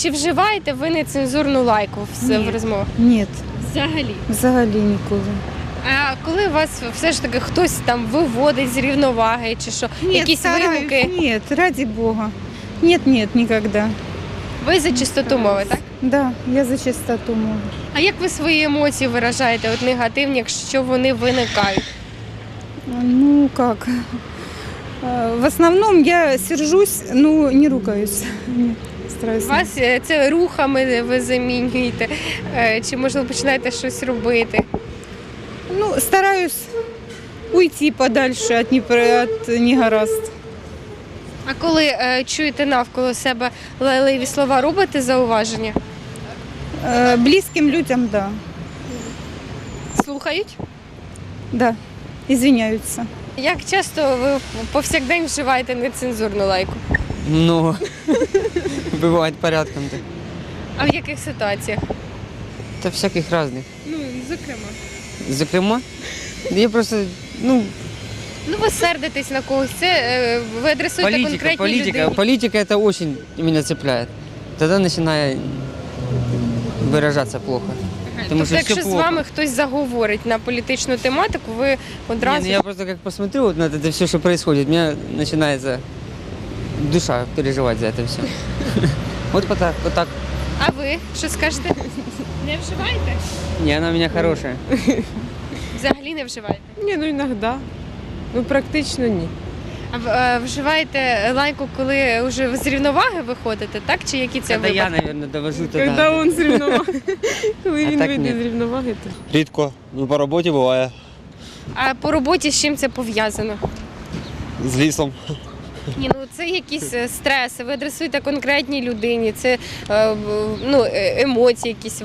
чи вживаєте ви нецензурну лайку в розмовах? Ні, Взагалі. взагалі ніколи. А коли вас все ж таки хтось там виводить з рівноваги, чи що, якісь вигуки, Нет, ради Бога. Нет, никогда. ви за чистоту мови, так? Да, я за чистоту мови. А як ви свої емоції виражаєте, от негативні, якщо вони виникають? Ну как? В основном я сержусь, но не ругаюсь. Нет, стараюсь. Вас це рухами ви замінюєте, чи можливо починаєте щось робити? Ну, стараюсь уйти подальше от негаразд. А коли чуєте навколо себе лайливі слова, робите зауваження? Близким людям, да. Слухають? Да, извиняются. Як часто ви повсякдень вживаєте нецензурну лайку? Ну, бывает порядком так. А в яких ситуаціях? Та всяких разных. Ну, зокрема. Зокрема, я просто, ну, Ну, ви сердитесь на когось, це ви адресуєте конкретній людині. политика это очень меня цепляет. Тогда начинаю выражаться плохо. Потому Тобто, что якщо все з плохо. вами хтось заговорить на політичну тематику, ви Не, одразу... ну я просто как посмотрю вот на это все, что происходит, у меня начинается душа переживать за это все. Вот так, вот так. А ви що скажете? Не вживаєте? Не, она у меня хорошая. Взагалі не вживаєте? Ні, ну іноді. Ну практично ні. А вживаєте лайку, коли вже з рівноваги виходите, так? Чи які це Это я, випадки? наверное, довожу Коли тогда. він з рівноваги. Коли А він так вийде ні. з рівноваги, то. Рідко. Ну, по роботі буває. А по роботі з чим це пов'язано? З лісом. Ні, ну це якісь стреси, ви адресуєте конкретній людині, це ну, емоції якісь.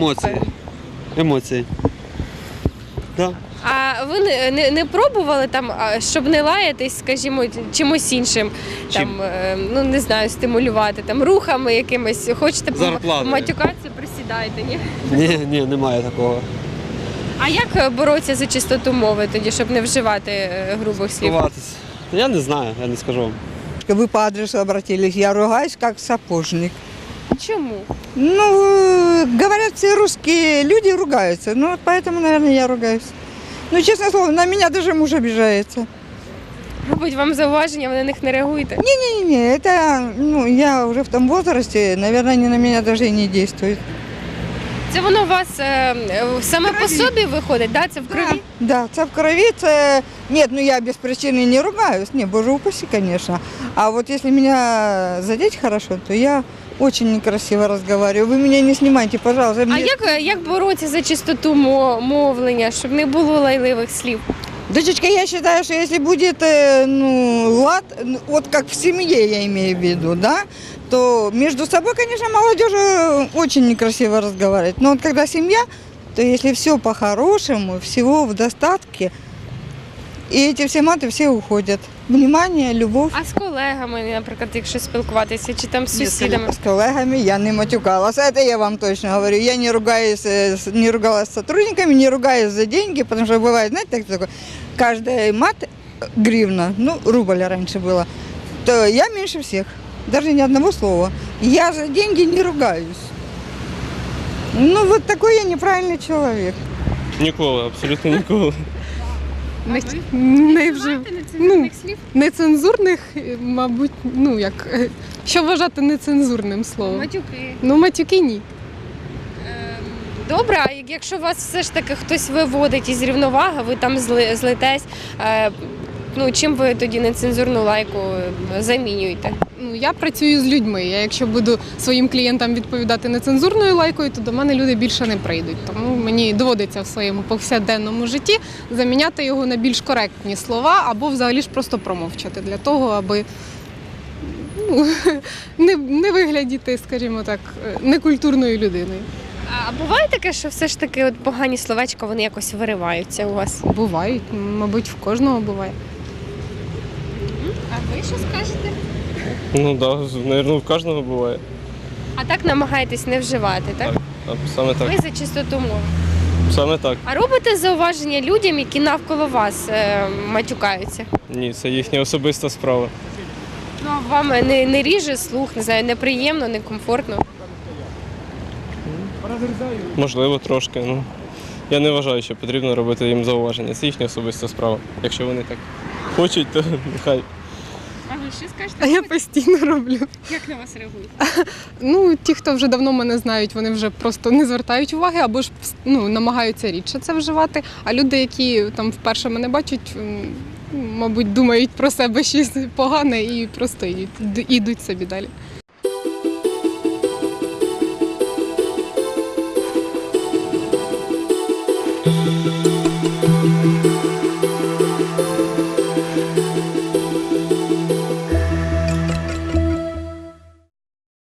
Емоції. Да. А ви не пробували там, щоб не лаятись, скажімо, чимось іншим, там, ну не знаю, стимулювати, там, рухами якимись, хочете Зарплатою. матюкатися, присідайте, ні? Ні, немає такого. А як боротися за чистоту мови тоді, щоб не вживати грубих слів? Ховатись. Я не знаю, я не скажу вам. Вы по адресу обратились, я ругаюсь как сапожник. Чому? Ну, говорят, все русские люди ругаются, ну, вот поэтому, наверное, я ругаюсь. Ну, честное слово, на меня даже муж обижается. Робить вам зауваження, ви на них не реагуєте? Не-не-не, это, ну, я уже в том возрасте, наверное, они на меня даже и не действуют. Це воно у вас саме по собі виходить, да? Це в крові? Да, це в крови, це... Нет, ну я без причины не ругаюсь, не, боже упаси, конечно. А вот если меня задеть хорошо, то я очень некрасиво разговариваю. Вы меня не снимайте, пожалуйста. А Мне- як боротися за чистоту мовлення, щоб не було лайливих слів? Дочечка, я считаю, что если будет ну, лад, вот как в семье я имею в виду, да, то между собой, конечно, молодежи очень некрасиво разговаривать. Но вот когда семья, то если все по-хорошему, всего в достатке, и эти все маты все уходят. Внимание, любовь. А з колегами, наприклад, якщо спілкуватися, чи там з сусідами? С коллегами я не матюкалась. Это я вам точно говорю. Я не ругаюсь, не ругалась с сотрудниками, не ругаюсь за деньги, потому что бывает, знаете, так такое, каждый мат гривна, ну, рубль раньше было, то я меньше всех, даже ни одного слова. Я за деньги не ругаюсь. Ну, вот такой я неправильный человек. Ніколи, абсолютно ніколи. Не вже Нецензурних слів? нецензурних, мабуть, ну як що вважати нецензурним словом? Матюки. Ну, матюки ні. Добре, а якщо вас все ж таки хтось виводить із рівноваги, ви там злетесь, ну чим ви тоді нецензурну лайку замінюєте? Ну, я працюю з людьми. Я якщо буду своїм клієнтам відповідати нецензурною лайкою, то до мене люди більше не прийдуть. Тому мені доводиться в своєму повсякденному житті заміняти його на більш коректні слова або взагалі ж просто промовчати для того, аби ну, не виглядіти, скажімо так, некультурною людиною. А буває таке, що все ж таки от погані словечка, вони якось вириваються у вас? Бувають, мабуть, в кожного буває. А ви що скажете? Ну так, мабуть, в кожного буває. А так намагаєтесь не вживати, так? Саме Ви за чистоту мови. Саме так. А робите зауваження людям, які навколо вас матюкаються? Ні, це їхня особиста справа. Ну, а вам не ріже слух, не знаю, неприємно, некомфортно? Можливо, трошки. Ну, я не вважаю, що потрібно робити їм зауваження. Це їхня особиста справа. Якщо вони так хочуть, то нехай. А ви що скажете? А я постійно роблю. Як на вас реагують? Ну, ті, хто вже давно мене знають, вони вже просто не звертають уваги або ж намагаються рідше це вживати. А люди, які там вперше мене бачать, мабуть, думають про себе щось погане і просто йдуть собі далі.